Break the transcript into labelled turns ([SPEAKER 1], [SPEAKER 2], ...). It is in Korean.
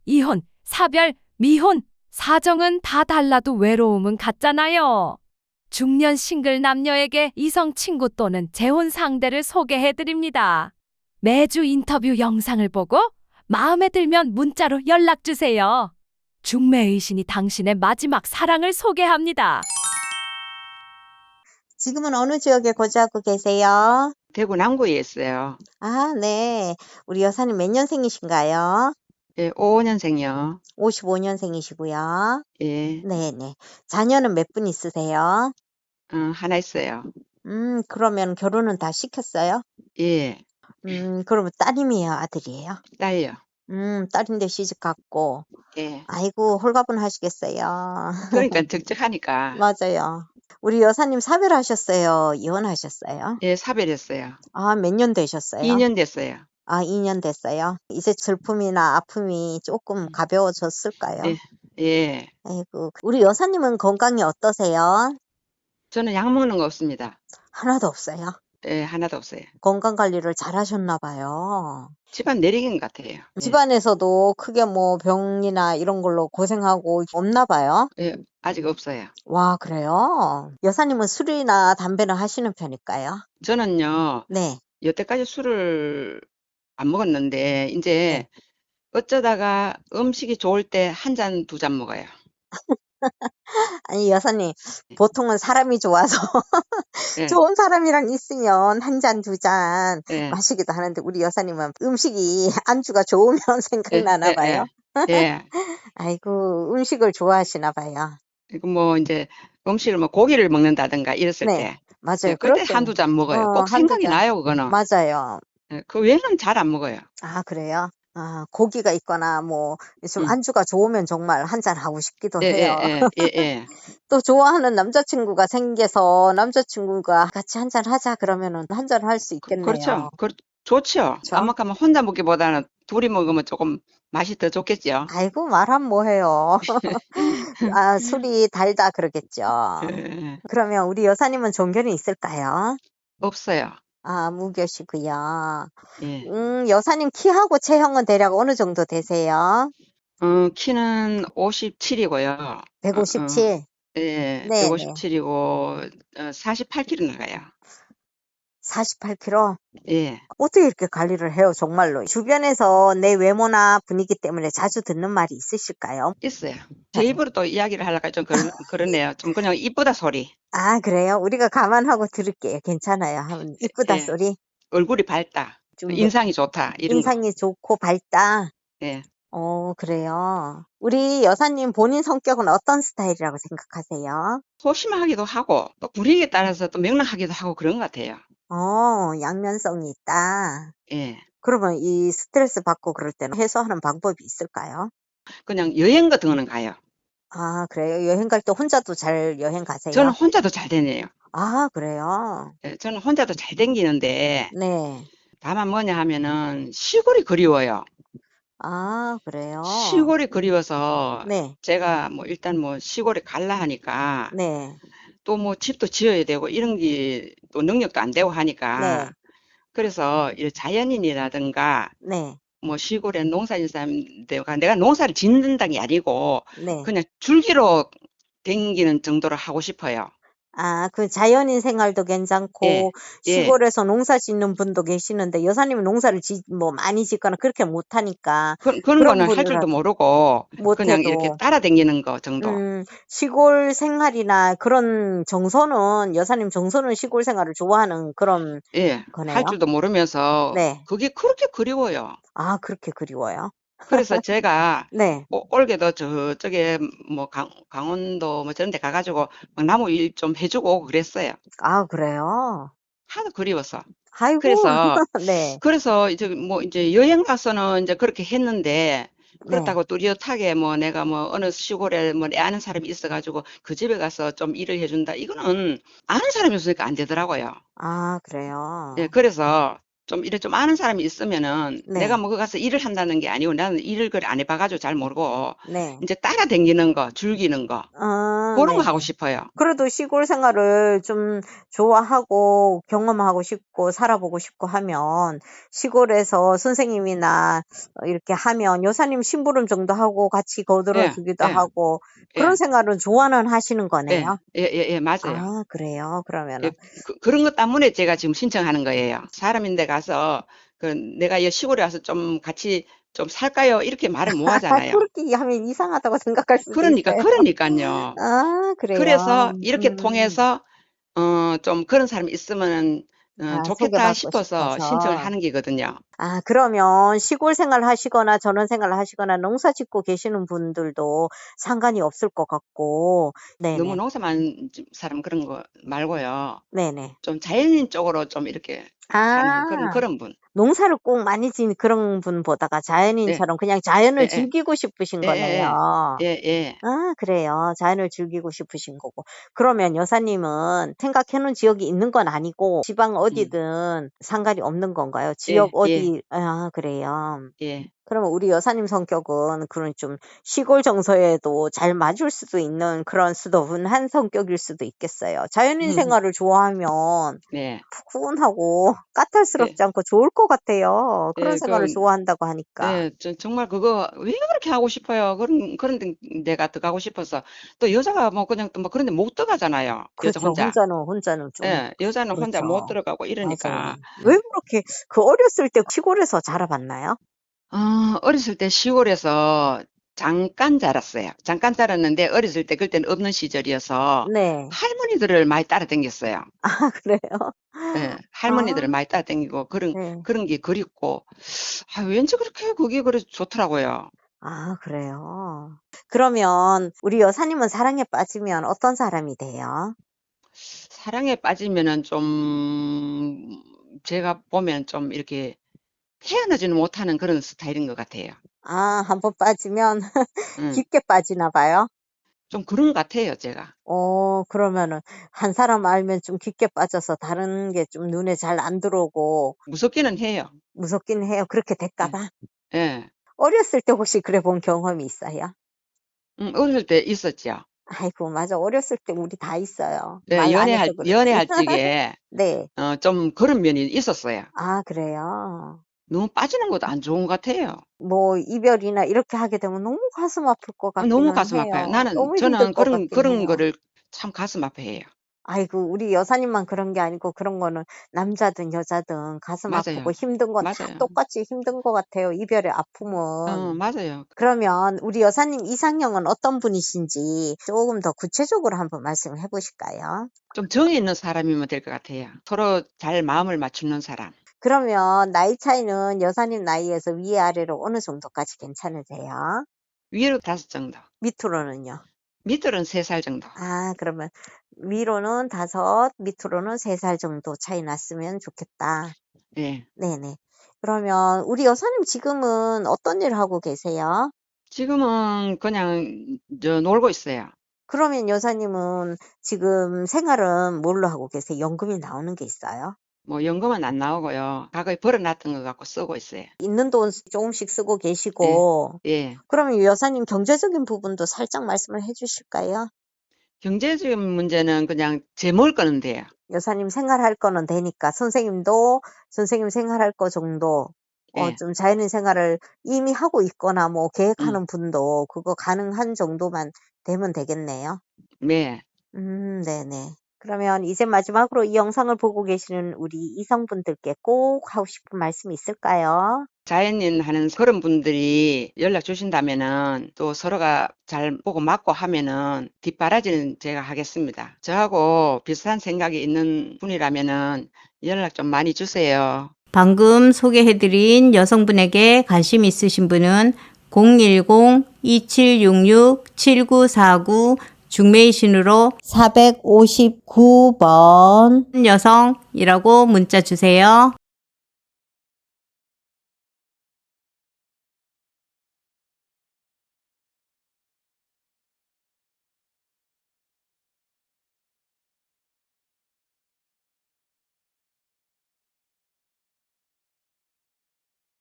[SPEAKER 1] 이혼, 사별, 미혼, 사정은 다 달라도 외로움은 같잖아요. 중년 싱글 남녀에게 이성 친구 또는 재혼 상대를 소개해 드립니다. 매주 인터뷰 영상을 보고 마음에 들면 문자로 연락 주세요. 중매의신이 당신의 마지막 사랑을 소개합니다.
[SPEAKER 2] 지금은 어느 지역에 거주하고 계세요?
[SPEAKER 3] 대구 남구에 있어요.
[SPEAKER 2] 아, 네. 우리 여사님 몇 년생이신가요?
[SPEAKER 3] 예, 55년생이요.
[SPEAKER 2] 55년생이시고요.
[SPEAKER 3] 예,
[SPEAKER 2] 네네. 자녀는 몇 분 있으세요?
[SPEAKER 3] 하나 있어요.
[SPEAKER 2] 그러면 결혼은 다 시켰어요?
[SPEAKER 3] 예,
[SPEAKER 2] 그러면 딸이에요, 아들이에요?
[SPEAKER 3] 딸요.
[SPEAKER 2] 딸인데 시집 갔고.
[SPEAKER 3] 예,
[SPEAKER 2] 아이고, 홀가분하시겠어요.
[SPEAKER 3] 그러니까 적적하니까.
[SPEAKER 2] 맞아요. 우리 여사님 사별하셨어요? 이혼하셨어요?
[SPEAKER 3] 예, 사별했어요.
[SPEAKER 2] 아, 몇 년 되셨어요?
[SPEAKER 3] 2년 됐어요.
[SPEAKER 2] 아, 2년 됐어요. 이제 슬픔이나 아픔이 조금 가벼워졌을까요?
[SPEAKER 3] 예, 예.
[SPEAKER 2] 아이고, 우리 여사님은 건강이 어떠세요?
[SPEAKER 3] 저는 약 먹는 거 없습니다.
[SPEAKER 2] 하나도 없어요.
[SPEAKER 3] 예, 하나도 없어요.
[SPEAKER 2] 건강 관리를 잘 하셨나 봐요.
[SPEAKER 3] 집안 내리긴 것 같아요. 예,
[SPEAKER 2] 집안에서도 크게 뭐 병이나 이런 걸로 고생하고 없나 봐요.
[SPEAKER 3] 예, 아직 없어요.
[SPEAKER 2] 와, 그래요? 여사님은 술이나 담배는 하시는 편일까요?
[SPEAKER 3] 저는요,
[SPEAKER 2] 네.
[SPEAKER 3] 여태까지 술을 안 먹었는데,
[SPEAKER 2] 네.
[SPEAKER 3] 이제 어쩌다가 음식이 좋을 때 한 잔, 두 잔 먹어요.
[SPEAKER 2] 아니, 여사님, 보통은 사람이 좋아서
[SPEAKER 3] 예,
[SPEAKER 2] 좋은 사람이랑 있으면 한 잔, 두 잔
[SPEAKER 3] 예,
[SPEAKER 2] 마시기도 하는데 우리 여사님은 음식이 안주가 좋으면
[SPEAKER 3] 예,
[SPEAKER 2] 생각나나
[SPEAKER 3] 예,
[SPEAKER 2] 봐요.
[SPEAKER 3] 예. 예.
[SPEAKER 2] 아이고, 음식을 좋아하시나 봐요.
[SPEAKER 3] 그리고 뭐 이제 음식을 뭐 고기를 먹는다든가 이랬을
[SPEAKER 2] 네,
[SPEAKER 3] 때,
[SPEAKER 2] 맞아요.
[SPEAKER 3] 예,
[SPEAKER 2] 그럴
[SPEAKER 3] 그때
[SPEAKER 2] 때는
[SPEAKER 3] 한두 잔 먹어요. 꼭
[SPEAKER 2] 한두
[SPEAKER 3] 생각이
[SPEAKER 2] 잔.
[SPEAKER 3] 나요, 그거는.
[SPEAKER 2] 맞아요.
[SPEAKER 3] 예, 그 외에는 잘 안 먹어요.
[SPEAKER 2] 아, 그래요? 아, 고기가 있거나 뭐 좀
[SPEAKER 3] 음.
[SPEAKER 2] 안주가 좋으면 정말 한 잔 하고 싶기도
[SPEAKER 3] 예,
[SPEAKER 2] 해요.
[SPEAKER 3] 예, 예, 예, 예.
[SPEAKER 2] 또 좋아하는 남자친구가 생겨서 남자친구가 같이 한 잔 하자 그러면은 한 잔 할 수 있겠네요.
[SPEAKER 3] 그렇죠. 좋죠.
[SPEAKER 2] 그렇죠?
[SPEAKER 3] 깜빡하면 혼자 먹기보다는 둘이 먹으면 조금 맛이 더 좋겠죠.
[SPEAKER 2] 아이고, 말하면 뭐해요. 아, 술이 달다 그러겠죠.
[SPEAKER 3] 예,
[SPEAKER 2] 그러면 우리 여사님은 종교는 있을까요?
[SPEAKER 3] 없어요.
[SPEAKER 2] 아, 무교시고요.
[SPEAKER 3] 예.
[SPEAKER 2] 여사님 키하고 체형은 대략 어느 정도 되세요?
[SPEAKER 3] 키는 57이고요.
[SPEAKER 2] 157.
[SPEAKER 3] 예,
[SPEAKER 2] 네네.
[SPEAKER 3] 157이고, 48kg 나가요.
[SPEAKER 2] 48kg.
[SPEAKER 3] 예.
[SPEAKER 2] 어떻게 이렇게 관리를 해요, 정말로? 주변에서 내 외모나 분위기 때문에 자주 듣는 말이 있으실까요?
[SPEAKER 3] 있어요. 제 입으로 또 이야기를 하려니까 좀 그러네요. 좀 그냥 이쁘다 소리.
[SPEAKER 2] 아, 그래요? 우리가 감안하고 들을게요. 괜찮아요. 하면 이쁘다
[SPEAKER 3] 예.
[SPEAKER 2] 소리.
[SPEAKER 3] 얼굴이 밝다.
[SPEAKER 2] 좀
[SPEAKER 3] 인상이 좋다. 이런 거.
[SPEAKER 2] 인상이 좋고 밝다.
[SPEAKER 3] 예.
[SPEAKER 2] 그래요. 우리 여사님 본인 성격은 어떤 스타일이라고 생각하세요?
[SPEAKER 3] 소심하기도 하고 또 분위기에 따라서 또 명랑하기도 하고 그런 것 같아요.
[SPEAKER 2] 양면성이 있다.
[SPEAKER 3] 예.
[SPEAKER 2] 그러면 이 스트레스 받고 그럴 때는 해소하는 방법이 있을까요?
[SPEAKER 3] 그냥 여행 같은 거는 가요.
[SPEAKER 2] 아, 그래요? 여행 갈 때 혼자도 잘 여행 가세요?
[SPEAKER 3] 저는 혼자도 잘 다녀요.
[SPEAKER 2] 아, 그래요?
[SPEAKER 3] 예, 저는 혼자도 잘 다니는데
[SPEAKER 2] 네.
[SPEAKER 3] 다만 뭐냐 하면은 시골이 그리워요.
[SPEAKER 2] 아, 그래요?
[SPEAKER 3] 시골이 그리워서
[SPEAKER 2] 네,
[SPEAKER 3] 제가 뭐 일단 뭐 시골에 갈라 하니까
[SPEAKER 2] 네,
[SPEAKER 3] 또 뭐 집도 지어야 되고 이런 게 또 능력도 안 되고
[SPEAKER 2] 네,
[SPEAKER 3] 하니까 그래서 이 자연인이라든가
[SPEAKER 2] 네,
[SPEAKER 3] 뭐 시골에 농사짓는 사람들과 내가 농사를 짓는다는 게 아니고
[SPEAKER 2] 네.
[SPEAKER 3] 그냥 줄기로 댕기는 정도로 하고 싶어요.
[SPEAKER 2] 아, 그 자연인 생활도
[SPEAKER 3] 예,
[SPEAKER 2] 괜찮고,
[SPEAKER 3] 예.
[SPEAKER 2] 시골에서 농사 짓는 분도 계시는데, 여사님은 농사를 뭐 많이 짓거나 그렇게 못하니까,
[SPEAKER 3] 그런
[SPEAKER 2] 그런
[SPEAKER 3] 거는 할 줄도 모르고 그냥 이렇게
[SPEAKER 2] 못해도,
[SPEAKER 3] 따라다니는 거 정도.
[SPEAKER 2] 시골 생활이나 그런 정서는, 여사님 정서는 시골 생활을 좋아하는 그런
[SPEAKER 3] 예,
[SPEAKER 2] 거네요.
[SPEAKER 3] 할 줄도 모르면서
[SPEAKER 2] 네.
[SPEAKER 3] 그게 그렇게 그리워요.
[SPEAKER 2] 아, 그렇게 그리워요?
[SPEAKER 3] 그래서 제가
[SPEAKER 2] 네.
[SPEAKER 3] 올게도 저쪽에 뭐 강원도 뭐 저런 데 가가지고 막 나무 일 좀 해주고 오고 그랬어요.
[SPEAKER 2] 아, 그래요?
[SPEAKER 3] 하도 그리워서.
[SPEAKER 2] 아이고,
[SPEAKER 3] 그래서
[SPEAKER 2] 네,
[SPEAKER 3] 이제 뭐 이제 여행 가서는 이제 그렇게 했는데
[SPEAKER 2] 네.
[SPEAKER 3] 그렇다고 뚜렷하게 뭐 내가 뭐 어느 시골에 뭐 내 아는 사람이 있어가지고 그 집에 가서 좀 일을 해준다. 이거는 아는 사람이 없으니까 안 되더라고요.
[SPEAKER 2] 아,
[SPEAKER 3] 예,
[SPEAKER 2] 그래요?
[SPEAKER 3] 그래서 좀 이래 좀 아는 사람이 있으면은
[SPEAKER 2] 네.
[SPEAKER 3] 내가 뭐 거기 가서 일을 한다는 게 아니고 나는 일을 그래 안 해봐가지고 잘 모르고
[SPEAKER 2] 네.
[SPEAKER 3] 이제 따라다니는 거, 즐기는 거
[SPEAKER 2] 아,
[SPEAKER 3] 그런 거
[SPEAKER 2] 네.
[SPEAKER 3] 하고 싶어요.
[SPEAKER 2] 그래도 시골 생활을 좀 좋아하고 경험하고 싶고 살아보고 싶고 하면 시골에서 선생님이나 이렇게 하면 여사님 심부름 정도 하고 같이 거들어
[SPEAKER 3] 예,
[SPEAKER 2] 주기도
[SPEAKER 3] 예,
[SPEAKER 2] 하고 그런
[SPEAKER 3] 예,
[SPEAKER 2] 생활은 좋아는 하시는
[SPEAKER 3] 예,
[SPEAKER 2] 거네요.
[SPEAKER 3] 예, 맞아요.
[SPEAKER 2] 아, 그래요? 그러면은.
[SPEAKER 3] 예, 그런 것 때문에 제가 지금 신청하는 거예요. 사람인데 가서 그 내가 이 시골에 와서 좀 같이 좀 살까요? 이렇게 말을 못 하잖아요.
[SPEAKER 2] 그렇게 하면 이상하다고 생각할 수도 있어요.
[SPEAKER 3] 그러니까요.
[SPEAKER 2] 아, 그래요.
[SPEAKER 3] 그래서 이렇게 통해서 좀 그런 사람이 있으면 좋겠다
[SPEAKER 2] 소개받고
[SPEAKER 3] 싶어서 신청을
[SPEAKER 2] 싶어서.
[SPEAKER 3] 하는 게거든요.
[SPEAKER 2] 아, 그러면 시골 생활 하시거나 전원 생활 하시거나 농사 짓고 계시는 분들도 상관이 없을 것 같고.
[SPEAKER 3] 너무
[SPEAKER 2] 네네.
[SPEAKER 3] 농사만 사람 그런 거 말고요.
[SPEAKER 2] 네네.
[SPEAKER 3] 좀 자연인 쪽으로 좀 이렇게 하는
[SPEAKER 2] 아,
[SPEAKER 3] 그런 분.
[SPEAKER 2] 농사를 꼭 많이 지은 그런 분보다가
[SPEAKER 3] 예,
[SPEAKER 2] 자연인처럼 그냥
[SPEAKER 3] 예,
[SPEAKER 2] 자연을
[SPEAKER 3] 예,
[SPEAKER 2] 즐기고 싶으신
[SPEAKER 3] 예, 예,
[SPEAKER 2] 거네요.
[SPEAKER 3] 예, 예.
[SPEAKER 2] 아, 그래요. 자연을 즐기고 싶으신 거고. 그러면 여사님은 생각해 놓은 지역이 있는 건 아니고 지방
[SPEAKER 3] 음,
[SPEAKER 2] 어디든 상관이 없는 건가요? 지역
[SPEAKER 3] 예, 예,
[SPEAKER 2] 어디, 아, 그래요.
[SPEAKER 3] 예.
[SPEAKER 2] 그러면 우리 여사님 성격은 그런 좀 시골 정서에도 잘 맞을 수도 있는 그런 수더분한 성격일 수도 있겠어요. 자연인 생활을 좋아하면
[SPEAKER 3] 네,
[SPEAKER 2] 푸근하고
[SPEAKER 3] 예,
[SPEAKER 2] 까탈스럽지 않고 좋을 것 같아요. 그런
[SPEAKER 3] 예,
[SPEAKER 2] 생활을 좋아한다고 하니까.
[SPEAKER 3] 정말 그거 왜 그렇게 하고 싶어요? 그런 데가 들어가고 싶어서. 또 여자가 뭐 그냥 또 뭐 그런 데 못 들어가잖아요. 여자
[SPEAKER 2] 그렇죠.
[SPEAKER 3] 혼자.
[SPEAKER 2] 혼자는 좀
[SPEAKER 3] 예, 여자는 혼자 못
[SPEAKER 2] 그렇죠.
[SPEAKER 3] 들어가고
[SPEAKER 2] 맞아요.
[SPEAKER 3] 이러니까.
[SPEAKER 2] 왜 그렇게 그 어렸을 때 시골에서 자라봤나요?
[SPEAKER 3] 어렸을 때 시골에서 잠깐 자랐어요. 잠깐 자랐는데 어렸을 때 그때는 없는 시절이어서
[SPEAKER 2] 네.
[SPEAKER 3] 할머니들을 많이 따라다녔어요.
[SPEAKER 2] 아, 그래요?
[SPEAKER 3] 예, 할머니들을
[SPEAKER 2] 아,
[SPEAKER 3] 많이 따라다니고
[SPEAKER 2] 네.
[SPEAKER 3] 그런 게 그립고, 왠지 그렇게 그게 그래 좋더라고요.
[SPEAKER 2] 아, 그래요? 그러면 우리 여사님은 사랑에 빠지면 어떤 사람이 돼요?
[SPEAKER 3] 사랑에 빠지면은 좀, 제가 보면 좀 이렇게 헤어나지는 못하는 그런 스타일인 것 같아요.
[SPEAKER 2] 아, 한번 빠지면
[SPEAKER 3] 응,
[SPEAKER 2] 깊게 빠지나 봐요?
[SPEAKER 3] 좀 그런 것 같아요, 제가.
[SPEAKER 2] 그러면은 한 사람 알면 좀 깊게 빠져서 다른 게 좀 눈에 잘 안 들어오고
[SPEAKER 3] 무섭기는 해요.
[SPEAKER 2] 무섭긴 해요. 그렇게 될까
[SPEAKER 3] 예,
[SPEAKER 2] 봐.
[SPEAKER 3] 예.
[SPEAKER 2] 어렸을 때 혹시 그래 본 경험이 있어요?
[SPEAKER 3] 어릴 때 있었죠.
[SPEAKER 2] 아이고, 맞아. 어렸을 때 우리 다 있어요.
[SPEAKER 3] 예,
[SPEAKER 2] 말 안 해서 그렇지.
[SPEAKER 3] 연애할 적에,
[SPEAKER 2] 네.
[SPEAKER 3] 좀 그런 면이 있었어요.
[SPEAKER 2] 아, 그래요?
[SPEAKER 3] 너무 빠지는 것도 안 좋은 것 같아요.
[SPEAKER 2] 뭐 이별이나 이렇게 하게 되면 너무 가슴 아플 것
[SPEAKER 3] 너무
[SPEAKER 2] 같기는
[SPEAKER 3] 가슴 아파요.
[SPEAKER 2] 해요. 너무 힘들
[SPEAKER 3] 저는
[SPEAKER 2] 것 같긴
[SPEAKER 3] 그런
[SPEAKER 2] 해요.
[SPEAKER 3] 거를 참 가슴 아파해요.
[SPEAKER 2] 아이고, 우리 여사님만 그런 게 아니고 그런 거는 남자든 여자든 가슴 아프고
[SPEAKER 3] 맞아요.
[SPEAKER 2] 힘든 건 다
[SPEAKER 3] 맞아요.
[SPEAKER 2] 똑같이 힘든 것 같아요. 이별의 아픔은.
[SPEAKER 3] 맞아요.
[SPEAKER 2] 그러면 우리 여사님 이상형은 어떤 분이신지 조금 더 구체적으로 한번 말씀을 해 보실까요?
[SPEAKER 3] 좀 정이 있는 사람이면 될 것 같아요. 서로 잘 마음을 맞추는 사람.
[SPEAKER 2] 그러면 나이 차이는 여사님 나이에서 위아래로 어느 정도까지 괜찮으세요?
[SPEAKER 3] 위로 5 정도.
[SPEAKER 2] 밑으로는요?
[SPEAKER 3] 밑으로는 3살 정도.
[SPEAKER 2] 아, 그러면 위로는 5, 밑으로는 3살 정도 차이 났으면 좋겠다.
[SPEAKER 3] 예.
[SPEAKER 2] 네네. 그러면 우리 여사님 지금은 어떤 일 하고 계세요?
[SPEAKER 3] 지금은 그냥 놀고 있어요.
[SPEAKER 2] 그러면 여사님은 지금 생활은 뭘로 하고 계세요? 연금이 나오는 게 있어요?
[SPEAKER 3] 뭐 연금은 안 나오고요. 과거에 벌어놨던 거 갖고 쓰고 있어요.
[SPEAKER 2] 있는 돈 조금씩 쓰고
[SPEAKER 3] 예.
[SPEAKER 2] 계시고,
[SPEAKER 3] 예.
[SPEAKER 2] 그러면 이 여사님 경제적인 부분도 살짝 말씀을 해 주실까요?
[SPEAKER 3] 경제적인 문제는 그냥 제 먹을 거는 돼요.
[SPEAKER 2] 여사님 생활할 거는 되니까 선생님도 선생님 생활할 거 정도
[SPEAKER 3] 예.
[SPEAKER 2] 좀 자연인 생활을 이미 하고 있거나 뭐
[SPEAKER 3] 음.
[SPEAKER 2] 계획하는 분도 그거 가능한 정도만 되면 되겠네요.
[SPEAKER 3] 네.
[SPEAKER 2] 네네. 그러면 이제 마지막으로 이 영상을 보고 계시는 우리 이성분들께 꼭 하고 싶은 말씀이 있을까요?
[SPEAKER 3] 자연인 하는 그런 분들이 연락 주신다면은 또 서로가 잘 보고 맞고 하면은 뒷바라지는 제가 하겠습니다. 저하고 비슷한 생각이 있는 분이라면은 연락 좀 많이 주세요.
[SPEAKER 4] 방금 소개해드린 여성분에게 관심 있으신 분은 010-2766-7949 중매이신으로 459번 여성이라고 문자 주세요.